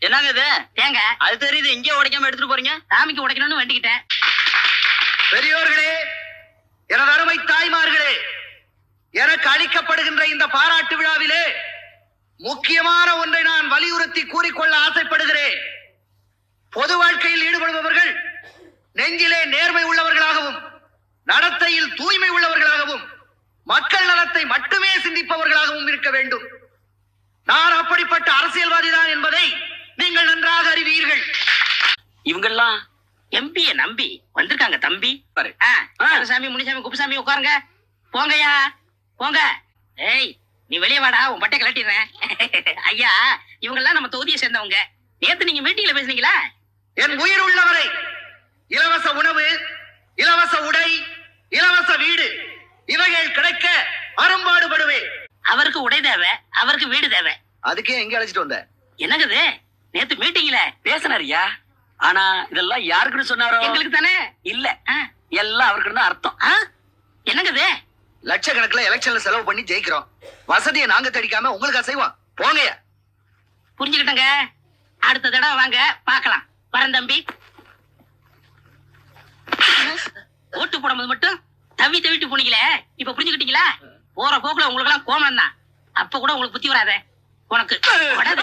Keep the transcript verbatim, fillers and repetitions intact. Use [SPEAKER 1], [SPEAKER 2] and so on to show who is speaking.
[SPEAKER 1] என்னங்க இது?
[SPEAKER 2] தேங்க.
[SPEAKER 1] அது தெரியுது, இங்கே உடைக்காம எடுத்துட்டு போறீங்க.
[SPEAKER 2] சாமிக்கு உடைக்கணும்னு வேண்டிக்கிட்டேன்.
[SPEAKER 3] பெரியோர்களே, எனது அருமை தாய்மார்களே, எனக்கு அளிக்கப்படுகின்ற இந்த பாராட்டு விழாவிலே முக்கியமான ஒன்றை நான் வலியுறுத்தி கூறிக்கொள்ள ஆசைப்படுகிறேன். பொது வாழ்க்கையில் ஈடுபடுபவர்கள் நெஞ்சிலே நேர்மை உள்ளவர்களாகவும் நடத்தையில் தூய்மை உள்ளவர்களாகவும் மக்கள் நலத்தை மட்டுமே சிந்திப்பவர்களாகவும் இருக்க வேண்டும். நான் அப்படிப்பட்ட அரசியல்வாதி தான் என்பதை நீங்கள் நன்றாக அறிவீர்கள்.
[SPEAKER 1] இவங்கெல்லாம்
[SPEAKER 2] எம்பிய நம்பி வந்திருக்காங்க தம்பி.
[SPEAKER 1] பாரு.
[SPEAKER 2] சாமி, முனிசாமி, குப்புசாமி உட்காருங்க. போங்கய்யா போங்க. ஏய், நீ வெளியே வாடா, உன் பட்டை கலட்டிடுறேன். ஐயா, இவங்கெல்லாம் நம்ம தொகுதியை சேர்ந்தவங்க. நேத்து நீங்க மீட்டிங்ல பேசுனீங்களா?
[SPEAKER 3] என் உயிர் உள்ளவரை இலவச உணவு, இலவச உடை, இலவச வீடு இவைகள் கிடைக்க அரும்பாடுபடுவேன்.
[SPEAKER 2] அவருக்கு உடை தேவை, அவருக்கு வீடு தேவை.
[SPEAKER 3] அதுக்கே எங்க அழைச்சிட்டு வந்த?
[SPEAKER 2] என்னங்குது நேத்து மீட்டிங்ல
[SPEAKER 1] பேசினாரியா? ஆனா இதெல்லாம் யாருக்குன்னு சொன்னாரோ?
[SPEAKER 2] எங்களுக்கு தானே.
[SPEAKER 1] இல்ல, எல்லாம் அவருக்கு தான் அர்த்தம்.
[SPEAKER 2] என்னங்குது?
[SPEAKER 3] லட்சக்கணக்கில் எலெக்ஷன்ல செலவு பண்ணி ஜெயிக்கிறோம். வசதியை நாங்க தடிக்காம உங்களுக்கு அசைவோம். போங்கயா.
[SPEAKER 2] புரிஞ்சுக்கிட்டங்க. அடுத்த தடவை வாங்க, பாக்கலாம். வரேன் தம்பி. ஓட்டு போடும்போது மட்டும் தவி தவிட்டு போனீங்களே, இப்ப புரிஞ்சுக்கிட்டீங்களா? போற போக்குல உங்களுக்கு எல்லாம் கோமம் தான். அப்ப கூட உங்களுக்கு புத்தி வராத உனக்கு.